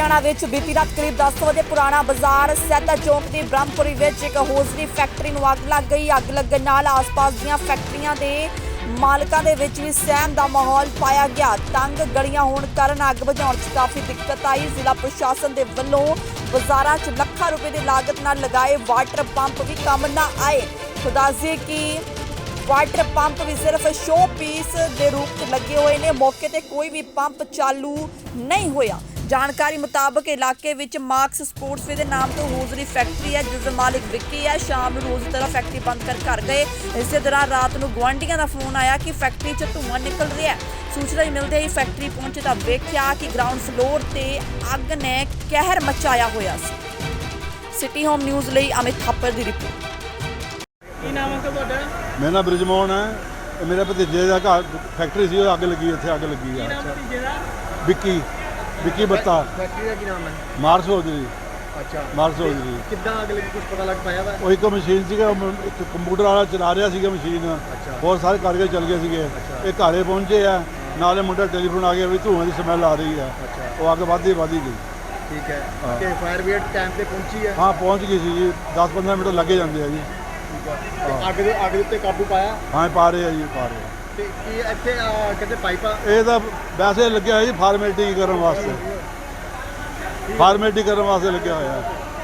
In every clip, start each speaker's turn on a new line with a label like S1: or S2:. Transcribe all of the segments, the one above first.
S1: लुधियाना विच बीती रात करीब 10 बजे पुराना बाजार सैदा चौक की ब्रह्मपुरी विच एक होजरी फैक्ट्री नूं अग लग गई। अग लगन नाल आस-पास दीआं फैक्ट्रियां दे मालकां दे विच भी सहम दा माहौल पाया गया। तंग गलियां होण कारण अग बुझाउण च काफ़ी दिक्कत आई। जिला प्रशासन दे वल्लों बाज़ारां च ਲੱਖਾਂ रुपए की लागत नाल लगाए वाटर पंप भी काम ना आए। खुदासी की वाटर पंप भी सिर्फ शो पीस के रूप में लगे हुए ने। मौके ते कोई भी पंप चालू नहीं होया। जानकारी मुताबक इलाके विच मार्क्स स्पोर्ट्सवे के नाम तो होजरी फैक्ट्री है जिसका मालिक विक्की है। शाम को रोज तरह फैक्ट्री बंद कर घर गए। इस दौरान रात को गुआढ़ियों का फोन आया कि फैक्ट्री च धुआं निकल रहा है। सूचना ही मिलते ही फैक्ट्री पहुंचे तो वेख्या कि ग्राउंड फ्लोर ते अग ने कहर मचाया होया सी। सिटी होम न्यूज़ लई अमित थापर की रिपोर्ट।
S2: ਕੀ ਨਾਮ ਹੈ ਤੁਹਾਡਾ?
S3: ਮੇਰਾ ਨਾਮ ਬ੍ਰਿਜਮੋਹਨ ਹੈ। ਇਹ ਮੇਰੇ ਭਤੀਜੇ ਦਾ ਘਰ ਫੈਕਟਰੀ ਸੀ, ਉਹ ਅੱਗ ਲੱਗੀ, ਇੱਥੇ ਅੱਗ ਲੱਗੀ
S2: ਕੀ
S3: ਆ।
S2: ਨਾਮ ਭਤੀਜੇ ਦਾ?
S3: ਵਿੱਕੀ ਬੱਤਾ।
S2: ਫੈਕਟਰੀ ਦਾ ਕੀ ਨਾਮ ਹੈ?
S3: Mars hosiery.
S2: ਅੱਛਾ,
S3: ਮਾਰਸ ਹੋਜਰੀ।
S2: ਕਿੱਦਾਂ ਅੱਗ ਲੱਗੀ ਕੁਝ ਪਤਾ ਲੱਗ ਪਾਇਆ ਵਾ?
S3: ਉਹ ਇੱਕ ਮਸ਼ੀਨ ਸੀਗਾ, ਇੱਕ ਕੰਪਿਊਟਰ ਵਾਲਾ ਚਲਾ ਰਿਹਾ ਸੀਗਾ ਮਸ਼ੀਨ। ਬਹੁਤ ਸਾਰੇ ਕਾਰੀਗਰ ਚੱਲ ਗਏ ਸੀਗੇ। ਇਹ ਘਰੇ ਪਹੁੰਚੇ ਆ, ਨਾਲੇ ਮੁੰਡਾ ਟੈਲੀਫੋਨ ਆ ਗਿਆ ਵੀ ਧੂਆਂ ਦੀ ਸਮੈਲ ਆ ਰਹੀ ਆ। ਉਹ ਅੱਗ ਵੱਧਦੀ ਗਈ।
S2: ਠੀਕ ਹੈ, ਤੇ ਫਾਇਰ ਬ੍ਰਿਗੇਡ ਟਾਈਮ ਤੇ ਪਹੁੰਚੀ ਹੈ?
S3: ਹਾਂ, ਪਹੁੰਚ ਗਈ ਸੀ ਜੀ। 10-15 ਮਿੰਟ ਲੱਗੇ ਜਾਂਦੇ ਆ ਜੀ।
S2: ਅੱਗ ਦੇ ਉੱਤੇ ਕਾਬੂ ਪਾਇਆ?
S3: ਹਾਂ, ਪਾ ਰਹੇ ਆ ਜੀ, ਪਾ ਰਹੇ ਆ।
S2: ਤੇ ਕੀ ਇੱਥੇ ਕਿਤੇ ਪਾਈਪਾਂ?
S3: ਇਹ ਤਾਂ ਵੈਸੇ ਲੱਗਿਆ ਹੋਇਆ ਜੀ ਫਾਰਮੈਲਿਟੀ ਕਰਨ ਵਾਸਤੇ। ਫਾਰਮੈਲਿਟੀ ਕਰਨ ਵਾਸਤੇ ਲੱਗਿਆ ਹੋਇਆ।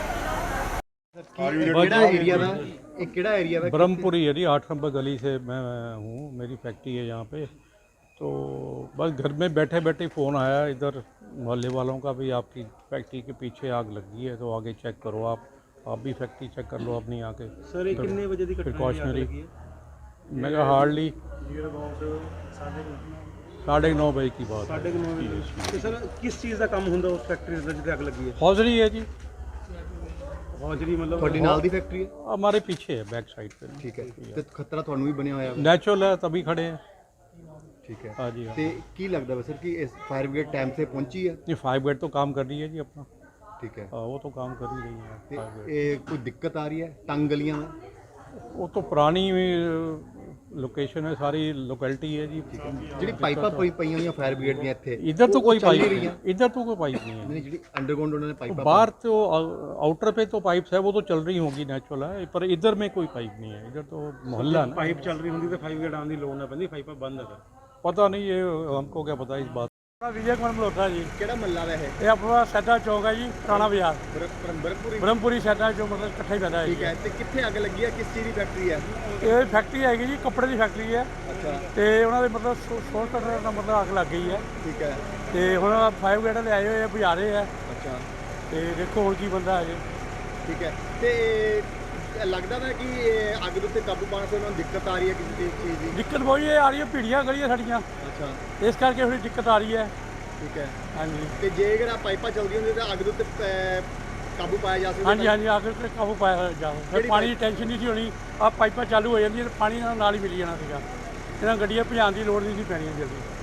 S2: ਕਿਹੜਾ ਏਰੀਆ ਦਾ? ਇਹ ਕਿਹੜਾ ਏਰੀਆ ਦਾ?
S4: ब्रह्मपुरी है जी, 8 नंबर गली से मैं हूँ। मेरी फैक्ट्री है यहाँ पे। तो बस घर में बैठे बैठे फ़ोन आया इधर मोहल्ले वालों का भी आपकी फैक्ट्री के पीछे आग लगी है, तो आगे चेक करो। आप भी फैक्ट्री चेक कर लो अपनी आके।
S2: सर ये कितने बजे की
S4: प्रिकॉशनरी मैं कहा हार्डली 9:30 बजे की बात है।
S2: 9:30। ਤੇ ਸਰ ਕਿਸ ਚੀਜ਼ ਦਾ ਕੰਮ ਹੁੰਦਾ ਉਸ ਫੈਕਟਰੀ ਦੇ ਜਿੱਥੇ ਅੱਗ ਲੱਗੀ ਹੈ?
S4: हौजरी है जी,
S2: ਹੌਜਰੀ ਮਤਲਬ ਤੁਹਾਡੀ ਨਾਲ ਦੀ ਫੈਕਟਰੀ ਹੈ?
S4: हमारे पीछे है, बैक साइड पे।
S2: ਠੀਕ ਹੈ, ਤੇ ਖਤਰਾ ਤੁਹਾਨੂੰ ਵੀ ਬਣਿਆ ਹੋਇਆ?
S4: नेचुरल है तभी खड़े हैं।
S2: ठीक है।
S4: हाँ जी, हाँ।
S2: ਤੇ ਕੀ ਲੱਗਦਾ ਵਾ ਸਰ ਕਿ ਇਸ ਫਾयर ब्रिगेड टाइम से पहुंची है?
S4: ये 5 बेड तो काम कर रही है जी अपना।
S2: ठीक है।
S4: वो तो काम कर ही रही है।
S2: ਤੇ
S4: 5 बेड
S2: ਇਹ ਕੋਈ ਦਿੱਕਤ ਆ ਰਹੀ ਹੈ ਤੰਗ ਗਲੀਆਂ में?
S4: वो तो पुरानी लोकेशन है, सारी लोकेलिटी है जी।
S2: ਜਿਹੜੀ ਪਾਈਪਾਂ ਪਈਆਂ ਹੋਈਆਂ ਫਾयर ब्रिगेड ਦੀਆਂ ਇੱਥੇ
S4: इधर तो कोई
S2: ਚੱਲ
S4: पाइप
S2: ਨਹੀਂ
S4: नहीं
S2: ਰਹੀਆਂ?
S4: है, इधर तो कोई पाइप नहीं है।
S2: ਨਹੀਂ ਜਿਹੜੀ ਅੰਡਰਗਰਾਉਂਡ ਉਹਨਾਂ ਨੇ पाइप
S4: बाहर तो आउटर पे तो पाइप्स है, वो तो चल रही होंगी नेचुरल है, पर इधर में कोई पाइप नहीं है। इधर तो मोहल्ला है ना।
S2: ਪਾਈਪ ਚੱਲ ਰਹੀ ਹੁੰਦੀ ਤਾਂ ਫਾयर ब्रिगेड ਆਉਣ ਦੀ ਲੋੜ ਨਾ ਪੈਂਦੀ, ਪਾਈਪਾਂ ਬੰਦ ਹੈ ਸਰ।
S4: पता नहीं, ये हमको क्या पता इस बात।
S5: विजय कुमार मल्होत्रा जी।
S2: ਕਿਹੜਾ ਮਹੱਲਾ ਵਾ ਇਹ?
S5: ये अपना सैदा चौक है जी, पुराना बाजार
S2: ਬਰਮਪੁਰੀ।
S5: ब्रह्मपुरी सैदा जो मतलब इकट्ठा ही पैदा है।
S2: ਠੀਕ ਹੈ, ਤੇ ਕਿੱਥੇ ਅੱਗ ਲੱਗੀ ਹੈ? ਕਿਸ ਚੀਜ਼ ਦੀ ਫੈਕਟਰੀ ਹੈ?
S5: ये फैक्ट्री हैगी जी, कपड़े की फैक्ट्री है।
S2: ਅੱਛਾ,
S5: ਤੇ ਉਹਨਾਂ ਦੇ ਮਤਲਬ ਸ਼ੋਰਟ ਕੱਟਰ ਦਾ ਮਤਲਬ ਅੱਗ ਲੱਗ ਗਈ ਹੈ।
S2: ਠੀਕ ਹੈ।
S5: ਤੇ ਹੁਣ 5 ਗੇਟ ਲੈ ਆਏ ਹੋਏ ਆ, ਬੁਝਾ ਰਹੇ ਆ।
S2: ਅੱਛਾ,
S5: ਤੇ ਦੇਖੋ ਹੁਣ ਕੀ ਬੰਦਾ ਹੈ ਜੀ।
S2: ਠੀਕ ਹੈ। ਤੇ ਲੱਗਦਾ ਵਾ ਕਿ ਇਹ ਅੱਗ ਦੇ ਉੱਤੇ ਕਾਬੂ ਪਾਉਣ ਤੋਂ ਉਹਨਾਂ ਨੂੰ ਦਿੱਕਤ ਆ ਰਹੀ ਹੈ ਕਿਸੇ ਚੀਜ਼ ਦੀ?
S5: ਦਿੱਕਤ ਬਹੁਤ ਇਹ ਆ ਰਹੀ ਹੈ, ਭੀੜੀਆਂ ਗਲੀਆਂ ਸਾਡੀਆਂ,
S2: ਅੱਛਾ,
S5: ਇਸ ਕਰਕੇ ਥੋੜੀ ਦਿੱਕਤ ਆ ਰਹੀ ਹੈ।
S2: ਠੀਕ ਹੈ।
S5: ਹਾਂਜੀ
S2: ਤੇ ਜੇਕਰ ਆ ਪਾਈਪਾਂ ਚੱਲਦੀਆਂ ਹੁੰਦੀਆਂ ਤਾਂ ਅੱਗ ਦੇ ਉੱਤੇ ਕਾਬੂ ਪਾਇਆ ਜਾ ਸਕਦਾ?
S5: ਹਾਂਜੀ ਹਾਂਜੀ, ਅੱਗ ਤੇ ਕਾਬੂ ਪਾਇਆ ਜਾਵੇ। ਫਿਰ ਪਾਣੀ ਦੀ ਟੈਨਸ਼ਨ ਨਹੀਂ ਸੀ ਹੋਣੀ। ਆ ਪਾਈਪਾਂ ਚਾਲੂ ਹੋ ਜਾਂਦੀਆਂ ਤੇ ਪਾਣੀ ਨਾਲ ਹੀ ਮਿਲ ਜਾਣਾ ਸੀਗਾ। ਇਹਨਾਂ ਗੱਡੀਆਂ ਭਜਾਉਣ ਦੀ ਲੋੜ ਨਹੀਂ ਸੀ ਪੈਣੀ ਜਲਦੀ।